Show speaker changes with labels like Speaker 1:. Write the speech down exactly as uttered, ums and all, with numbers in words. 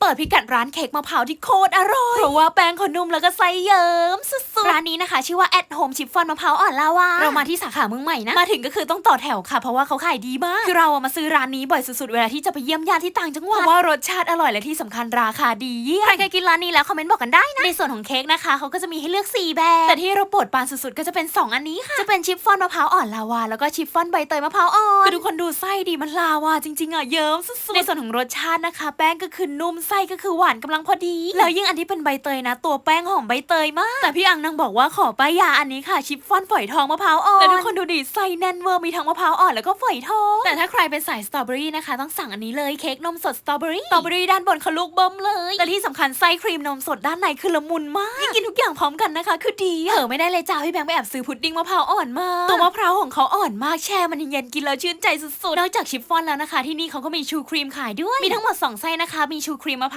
Speaker 1: ปิดพิกัดร้านเค้กมะพร้าวที่โคตรอร่อยเพราะว่าแป้งเขานุ่มแล้วก็ไส้เยิ้มสุดๆร้านนี้นะคะชื่อว่า at home ชิฟฟ่อนมะพร้าวอ่อนลาวาเรามาที่สาขาเมืองใหม่นะมาถึงก็คือต้องต่อแถวค่ะเพราะว่าเขาขายดีมากคือเราอะมาซื้อร้านนี้บ่อยสุดๆเวลาที่จะไปเยี่ยมญาติที่ต่างจังหวัดเพราะว่ารสชาติอร่อยและที่สำคัญราคาดีเยี่ยมใครเคยกินร้านนี้แล้วคอมเมนต์บอกกันได้นะในส่วนของเค้กนะคะเขาก็จะมีให้เลือกสี่แบบแต่ที่เราโปรดปรานสุดๆก็จะเป็นสองอันนี้ค่ะจะเป็นชิฟฟ่อนมะพร้าวอ่อนลาวาแล้วก็ชิฟฟ่อนใบเตยมะพร้าวอ่อนคือทุกคนดูไส้ดีมันลาวาจริงๆอ่ะเยิ้มสุดๆในส่วนของรสชาตินะคะแป้งก็คือนุ่มไส้ก็คือหวานกำลังพอดีแล้วยิ่งอันที่เป็นใบเตยนะตัวแป้งหอมใบเตยมากแต่พี่อังนางบอกว่าขอป้ายยาอันนี้ค่ะชิฟฟ่อนฝอยทองมะพร้าวอ่อนแต่ทุกคนดูดิไส้แน่นเวอร์มีทั้งมะพร้าวอ่อนแล้วก็ฝอยทองแต่ถ้าใครเป็นสายสตรอเบอรี่นะคะต้องสั่งอันนี้เลยเค้กนมสดสตรอเบอรี่สตรอเบอรี่ด้านบนเขาลูกเบิ่มเลยและที่สำคัญไส้ครีมนมสดด้านในคือละมุนมากยิ่งกินทุกอย่างพร้อมกันนะคะคือดีเออไม่ได้เลยจ้าพี่แบงค์ไปแอบซื้อพุดดิ้งมะพร้าวอ่อนมาตัวมะพร้าวของเขาอ่อนมากแช่มันเย็นกินแล้วชื่นใจสุดๆนอกจากชิฟฟ่อนแล้วนะคะที่นี่เขาก็มีชูครีมขายด้วยมีทั้งหมดสองไส้นะคะมีชูครีมมะ